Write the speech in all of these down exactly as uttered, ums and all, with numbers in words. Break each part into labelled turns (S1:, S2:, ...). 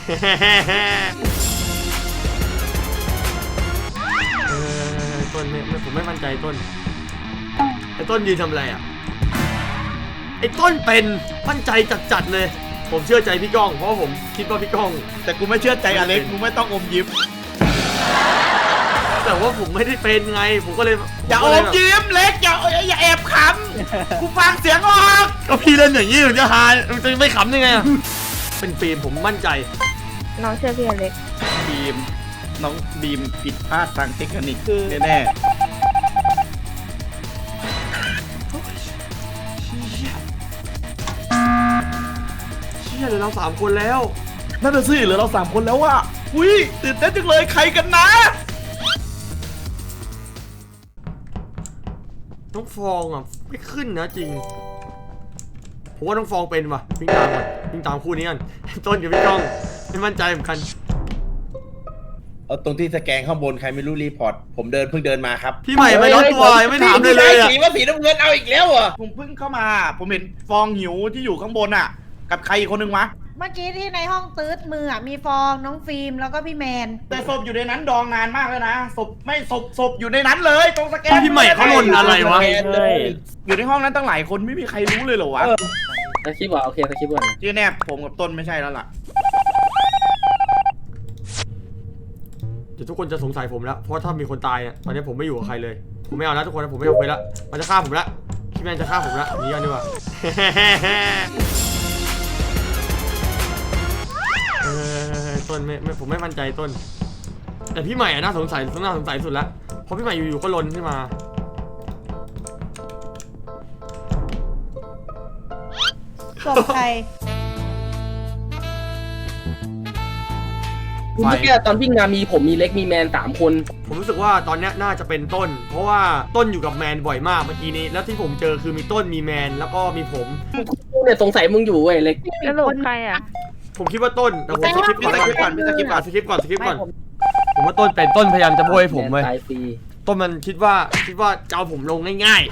S1: เออต้นไม่ผมไม่มั่นใจต้นไอ้ต้นยืนทำอะไรอ่ะไอ้ต้นเป็นมั่นใจจัดๆเลยผมเชื่อใจพี่ก้องเพราะผมคิดว่าพี่ก้อง
S2: แต่กูไม่เชื่อใจอเล็กมึงไม่ต้องอมยิ้ม
S1: แต่ว่าผมไม่ได้เป็นไงผมก็เลย
S2: อย่าอมยิ้มเล็กอย่าอย่าแอบขำกูฟังเสียงออก
S1: ก็พี่เล่นอย่างนี้ถึงจะฮาจะไม่ขำยังไงเป็นฟิล์มผมมั่นใจ
S3: น้องเชื่อพี่อเล็ก
S2: บีมน้องบีมผิดพลาดทางเทคนิคแน่
S1: เชี่ยเหลือเราสามคนแล้ว
S2: นั่นน่ะสิเหลือเราสามคนแล้วว่ะอุ้ยตื่นเต้นจังเลยใครกันนะ
S1: น้องฟองอ่ะไม่ขึ้นนะจริงผมว่าน้องฟองเป็นว่ะวิ่งตามก่อนวิ่งตามคู่นี้กันต้นกับพี่ก้องไม่มั่นใจเหมือนกัน
S4: เอาตรงที่สแกนข้างบนใครไม่รู้รีพอร์ตผมเดินเพิ่งเดินมาครับ
S1: พี่ใหม่ไม่ร้อนตัวไม่ถามเลยเลยอ่ะ
S4: สีว่าสีน้ำเงินเอาอีกแล้วเหรอ
S2: ผมเพิ่งเข้ามาผมเห็นฟองหิวที่อยู่ข้างบนอ่ะกับใครอีกคนนึงวะ
S5: เมื่อกี้ที่ในห้องตืดมืออ่ะมีฟองน้องฟิล์มแล้วก็พี่แมน
S2: แต่ศพอยู่ในนั้นดองนานมากเลยนะศพไม่ศพศพอยู่ในนั้นเลยตรงสแกน
S1: พี่ใหม่เขาลนอะไรวะ
S2: อยู่ในห้องนั้นตั้งหลายคนไม่มีใครรู้เลยเหรอวะ
S6: สคริปต์ว่ะโอเคสคริปต์ก่อน
S2: ที่แน่ผมกับต้นไม่ใช่แล้วล่ะ
S1: เดี๋ยวทุกคนจะสงสัยผมแล้วเพราะถ้ามีคนตายอ่ะตอนนี้ผมไม่อยู่กับใครเลยผมไม่เอาแล้วทุกคนผมไม่เอาไปแล้วมันจะฆ่าผมแล้วพี่แมนจะฆ่าผมแล้วนี่กันดีกว่าเออต้นไม่ไม่ผมไม่มั่นใจต้นแต่พี่ใหม่อะน่าสงสัยน่าสงสัยสุดแล้วเพราะพี่ใหม่อยู่ๆก็ลนขึ้นมา
S5: ศพใคร
S6: เมื่อกี้ตอนวิ่งมามีผมมีเล็กมีแมนสามคน
S1: ผมรู้สึกว่าตอนนี้น่าจะเป็นต้นเพราะว่าต้นอยู่กับแมนบ่อยมากเมื่อกี้นี้แล้วที่ผมเจอคือมีต้นมีแมนแล้วก็มีผม
S6: เนี่ยสงสัยมึงอยู่เว้ยเล็ก
S3: แล้วหลุดใครอ่ะ
S1: ผมคิดว่าต้นแต่ผมสคริปต์สคริปต์ก่อนสคริปต์ก่อนสคริปต์ก่อนสคริปต์ก่อน
S3: ผม
S1: ว่าต้นเป็นต้นพยายามจะโบยผมเลย
S6: ตายฟรี
S1: ต้นมันคิดว่าคิดว่าจะเอาผมลงง่าย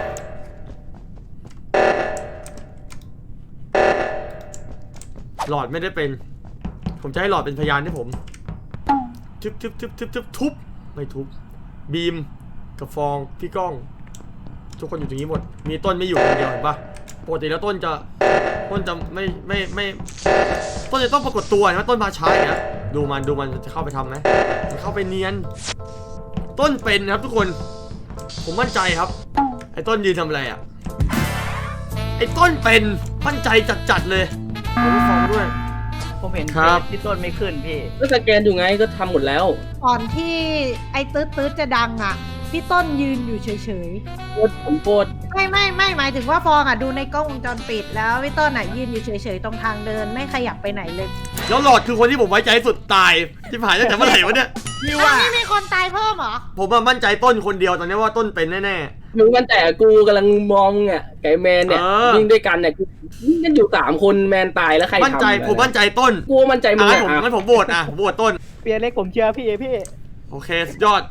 S1: ๆหลอดไม่ได้เป็นผมจะให้หลอดเป็นพยานให้ผมทุบทุบทุบทุบทุบทุบไม่ทุบบีมกับฟองพี่ก้องทุกคนอยู่ตรงนี้หมดมีต้นไม่อยู่คนเดียวเห็นปะปกติแล้วต้นจะต้นจะไม่ไม่ไม่ต้นจะต้องปรากฏตัวนะต้นมาช้าอย่างเงี้ยดูมันดูมันจะเข้าไปทำไหมมันเข้าไปเนียนต้นเป็นนะครับทุกคนผมมั่นใจครับไอ้ต้นยืนทำอะไรอ่ะไอ้ต้นเป็นมั่นใจจัดๆเลยผมฟองด้วย
S7: ผมเห็นพี่ต้นไม่ขึ้นพี่
S6: ก็สแกนอยู่ไงก็ทำหมดแล้ว
S5: ก่อนที่ไอ้ตืดตืดจะดังอ่ะพี่ต้นยืนอยู่เฉยๆ
S6: โคตรผมโคตร
S5: ไม่ไม่ไม่หมายถึงว่าฟองอ่ะดูในกล้องวงจรปิดแล้วพี่ต้นอ่ะยืนอยู่เฉยๆตรงทางเดินไม่ขยับไปไหนเลย
S1: แล้วหลอดคือคนที่ผมไว้ใจสุดตายที่ผ่านตั้งแต่เมื่อไหร่วะเนี่ย
S5: นี่ว่าไม่มีคนตายเพิ่มเหรอ
S1: ผมมั่นใจต้นคนเดียวตอนนี้ว่าต้นเป็นแน่
S6: ๆมึงมันแต่กูกำลังมองอ่ะไก่แมนเนี่ยวิ่งด้วยกันเนี่ยวิ่งกันอยู่สามคนแมนตายแล้วใครทำ
S1: มั่นใจผมมั่นใจต้น
S6: กูมั่นใจมึง
S1: อ่ะผมงั้นผมโหวตอ่ะผมโหวตต้น
S7: เปียเล็กผมเชื่อพี่พี่
S1: โอเคสุดยอด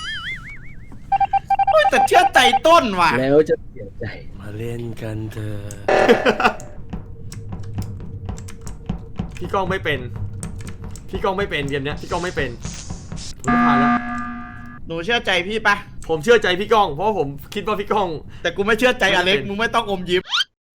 S2: แต่เชื่อใจต้นว่ะ
S6: แล้วจะเสียใจ
S1: มาเล่นกันเถอะพี่ก้องไม่เป็นพี่ก้องไม่เป็นเกมเนี้ยพี่ก้องไม่เป็นผมผ่านแล้ว
S2: หนูเชื่อใจพี่ปะ
S1: ผมเชื่อใจพี่ก้องเพราะผมคิดว่าพี่ก้อง
S2: แต่กูไม่เชื่อใจอเล็กมึงไม่ต้องอมยิ้ม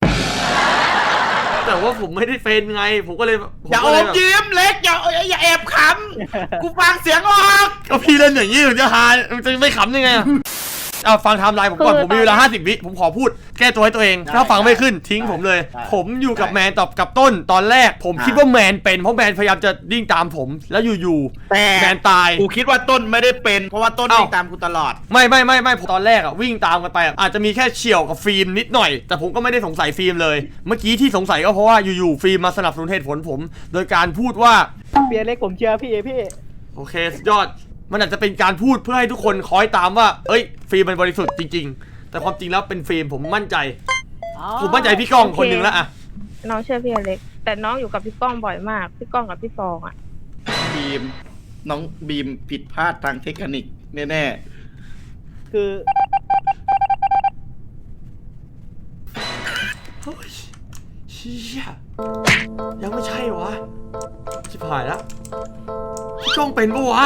S1: แต่ว่าผมไม่ได้เป็นไงผมก็เลย
S2: อย่าอมยิ้มเล็กอย่าอย่าแอบขำกูฟังเสียงออก
S1: ก็พี่เล่นอย่างนี้ถึงจะฮาจะไม่ขำยังไงเอาฟังไทม์ไลน์ผมก่อนผมมีเวลาห้าสิบวิผมขอพูดแก้ตัวให้ตัวเองถ้าฟังไม่ขึ้นทิ้งผมเลยผมอยู่กับแมนตอบกับต้นตอนแรกผมคิดว่าแมนเป็นเพราะแมนพยายามจะวิ่งตามผมแล้วอยู่ๆแมนตาย
S2: กูคิดว่าต้นไม่ได้เป็นเพราะว่าต้นวิ่งตามกูตลอด
S1: ไม่ไม่ไม่ไม่ตอนแรกอะวิ่งตามกันไปอาจจะมีแค่เฉี่ยวกับฟิล์มนิดหน่อยแต่ผมก็ไม่ได้สงสัยฟิล์มเลยเมื่อกี้ที่สงสัยก็เพราะว่าอยู่ๆฟิล์มมาสนับสนุนเหตุผลผมโดยการพูดว่า
S7: เปียเล็กผมเชื่อพี่พี่
S1: โอเคสุดยอดมันอาจจะเป็นการพูดเพื่อให้ทุกคนคอยตามว่าเอ้ยฟิล์มมันบริสุทธิ์จริงๆแต่ความจริงแล้วเป็นฟิล์มผมมั่นใจผมมั่นใจพี่ก้องคนหนึ่งแล้วอะ
S3: น้องเชื่อพี่อเล็กแต่น้องอยู่กับพี่ก้องบ่อยมากพี่ก้องกับพี่ฟองอะ
S2: บีมน้องบีมผิดพลาดทางเทคนิคแน่ๆ
S7: คือ
S1: เฮ้ยเชี่ยยังไม่ใช่วะชิบหายแล้วพี่ก้องเป็นปะวะ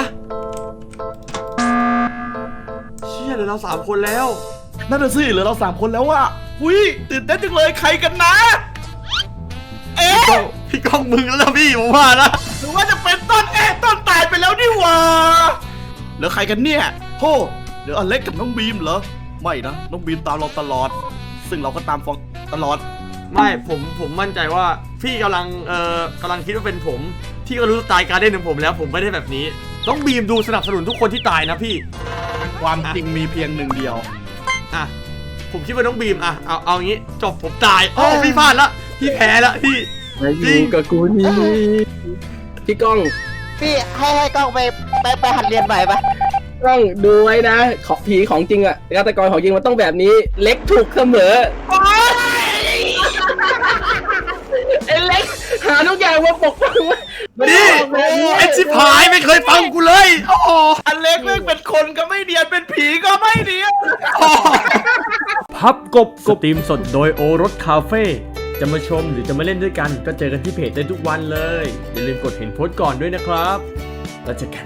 S1: เชี่ยเหลือเราสามคนแล้ว
S2: นั่นน่ะสิเหลือเราสามคนแล้วอะหุยตื่นเต้นจังเลยใครกันนะ เอ๊ะ
S1: พี่ก้องมึงแล้วนะพี่ผมว่านะ
S2: หรือว่าจะเป็นต้นเอ๊ะต้นตายไปแล้วนี่หว่าเหลือใครกันเนี่ยโธ่เหลืออเล็กกับน้องบีมเหรอไม่นะน้องบีมตามเราตลอด ซึ่งเราก็ตามฟองตลอด
S1: ไม่ผมผมมั่นใจว่าพี่กำลังเอ่อกำลังคิดว่าเป็นผมพี่ก็รู้สไตล์การเล่นของผมแล้วผมไม่ได้แบบนี้ต้องบีมดูสนับสนุนทุกคนที่ตายนะพี่
S2: ความจริงมีเพียงหนึ่งเดียว
S1: อ่ะผมคิดว่าน้องบีมอ่ะเอาเอางี้จบผมตายโอ้พี่พลาดละพี่แพ้ละพี่
S6: มาอยู่กับกูนี่พี่ก้อง
S7: พี่ให้ให้กล้องไปไปไปหัดเรียนใหม่ปะ
S6: ก้องดูไว้นะของผีของจริงอะฆาตกรของจริงมันต้องแบบนี้เล็กถูกเสมอไอ้เล็กหาทุกอย่างมาปกป้องมัน
S1: นี่
S6: บอกเลย
S1: ไอชิบหายไม่เคยฟังกูเลยโอ้โห
S2: อเล็กเรื่องเป็นคนก็ไม่เดียนเป็นผีก็ไม่เดียน
S1: พับกบสตรีมสดโดยโอรสคาเฟ่จะมาชมหรือจะมาเล่นด้วยกันก็เจอกันที่เพจได้ทุกวันเลยอย่าลืมกดเห็นโพสต์ก่อนด้วยนะครับแล้วเจอกัน